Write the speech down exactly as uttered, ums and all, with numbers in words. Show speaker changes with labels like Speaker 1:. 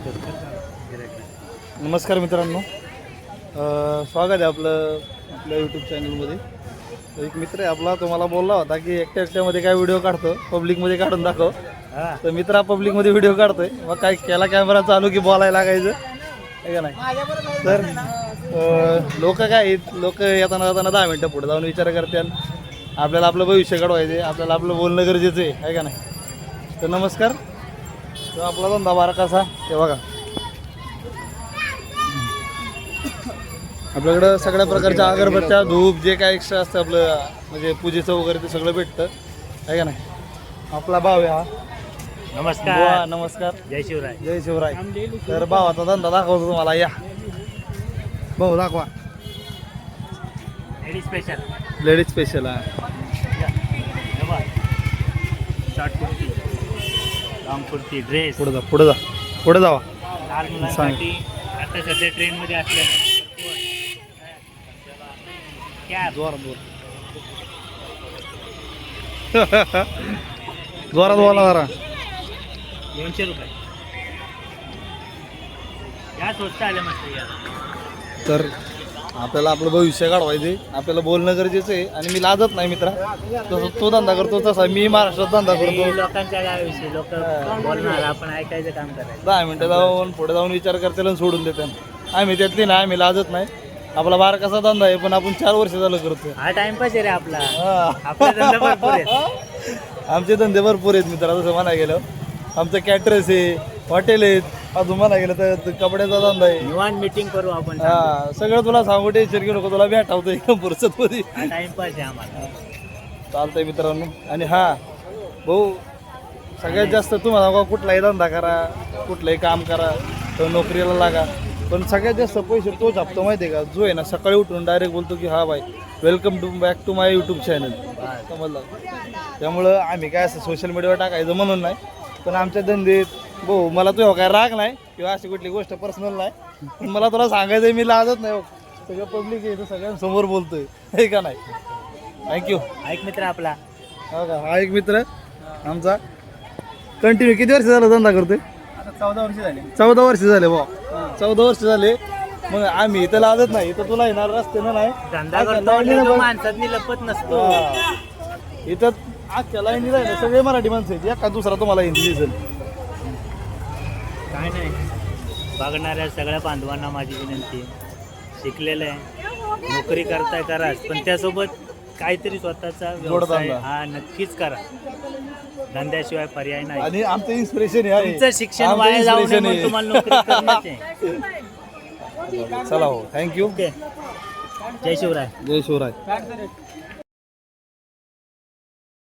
Speaker 1: नमस्कार मित्रांनो, अ, स्वागत आहे आपलं आपल्या यूट्यूब चॅनलमध्ये. तर एक मित्र आहे आपला, तो मला बोलला होता की एकट्या एकट्यामध्ये काय व्हिडिओ काढतो, पब्लिकमध्ये काढून दाखव. तर मित्र पब्लिकमध्ये व्हिडिओ काढतोय, मग काय केला कॅमेरा चालू की बोलायला लागायचं आहे का नाही. तर लोक काय आहेत, लोक येताना जाताना दहा मिनटं पुढे जाऊन विचार करतात. आपल्याला आपलं भविष्य घडवायचं आहे, आपल्याला आपलं बोलणं गरजेचं आहे आहे का नाही. तर नमस्कार. तर आपला धंदा बारा कसा ते बघा. आपल्याकडं सगळ्या प्रकारच्या अगरबत्त्या, धूप, जे काय एक्स्ट्रा असतं आपलं म्हणजे पूजेचं वगैरे ते सगळं भेटतं आहे का नाही. आपला भाव आहे हा.
Speaker 2: नमस्कार.
Speaker 1: बुवा, नमस्कार.
Speaker 2: जय शिवराय.
Speaker 1: जय शिवराय. तर भावाचा धंदा दाखवतो तुम्हाला, या भाऊ दाखवा.
Speaker 2: Ladies special.
Speaker 1: लेडीज स्पेशल आहे.
Speaker 2: Short kurti, long kurti, dress.
Speaker 1: पुढे जा, पुढे जा, पुढे जावा.
Speaker 2: लहान मुलांसाठी आता सध्या ट्रेंडमध्ये असलेलं कॅप.
Speaker 1: जोरात बोल. जोरात बोला जरा.
Speaker 2: दोनशे रुपये या स्वस्त आले मस्त या.
Speaker 1: तर आपल्याला आपलं भविष्य घडवायचे, आपल्याला बोलणं गरजेचं आहे. आणि मी लाजत नाही मित्रा, तसं तो धंदा करतो तसा मी महाराष्ट्रात धंदा करतो.
Speaker 2: लोकांच्या गावाविषयी लोक बोलणार, आपण ऐकायचं काम करायचं.
Speaker 1: दहा मिनटं जाऊन पुढे जाऊन विचार करतील आणि सोडून देतात. आम्ही त्यातली ना, आम्ही लाजत नाही. आपला बारा कसा धंदा आहे, पण आपण चार वर्ष झालं करतो.
Speaker 2: हा टाइमपास आहे रे आपला.
Speaker 1: हा.
Speaker 2: आपला धंदा भरपूर आहे.
Speaker 1: आमचे धंदे भरपूर आहेत मित्रा. तसं म्हणा गेलं आमचं कॅटरस आहे, हॉटेल आहेत, अजून म्हणा गेलं तर कपड्याचा धंदा आहे.
Speaker 2: निवांत मीटिंग करू आपण.
Speaker 1: हा, सगळं तुला सांगू टेन्शन घेऊ नको, तुला भेटावतो एकदम फुरसत मध्ये.
Speaker 2: हा टाइमपास आहे आम्हाला.
Speaker 1: चालतंय मित्रांनो. आणि हा भाऊ, सगळ्यात जास्त तुम्हाला बघा, कुठलाही धंदा करा, कुठलंही काम करा, तर नोकरीला लागा, पण सगळ्यात जास्त पैसे तो छापतो माहिती आहे का, जो आहे ना सकाळी उठून डायरेक्ट बोलतो की हा बाई welcome to back to my YouTube channel. समजलं. त्यामुळं आम्ही काय असं सोशल मीडियावर टाकायचं म्हणून नाही, पण आमच्या धंदेत भाऊ मला तुझ्या काय राग नाही किंवा अशी कुठली गोष्ट पर्सनल नाही, पण मला तुला सांगायचं आहे, मी लाजत नाही. सगळं पब्लिक आहे, तर सगळ्यांसमोर बोलतोय हे का नाही. थँक्यू.
Speaker 2: ऐक मित्र आपला.
Speaker 1: हो का, हा एक मित्र आमचा कंटिन्यू किती वर्ष झालं धंदा करतोय.
Speaker 2: आता चौदा वर्ष झाले.
Speaker 1: चौदा वर्ष झाले भाऊ, चौदा वर्ष झाले. मग आम्ही इथं लाजत नाही, इथं तुला येणार रस्त्यानं नाही.
Speaker 2: धंदा करतो माणसात लपत नसतो.
Speaker 1: इथं आजच्या लाईनी जायला सगळे मराठी माणसं आहेत, एका दुसरा तुम्हाला हिंदी दिसेल.
Speaker 2: काय नाही, बघणाऱ्या सगळ्या बांधवांना माझी विनंती, शिकलेलं आहे, नोकरी करताय कराच, पण त्यासोबत काहीतरी स्वतःचा व्यवसाय हा नक्कीच करा. धंद्याशिवाय पर्याय नाही.
Speaker 1: आणि आमचं इन्स्पिरेशन आहे,
Speaker 2: तुमचं शिक्षण वाया जाऊ नये म्हणून तुम्हाला नोकरी करण्याचे.
Speaker 1: चला हो, थँक्यू.
Speaker 2: जय शिवराय.
Speaker 1: जय शिवराय.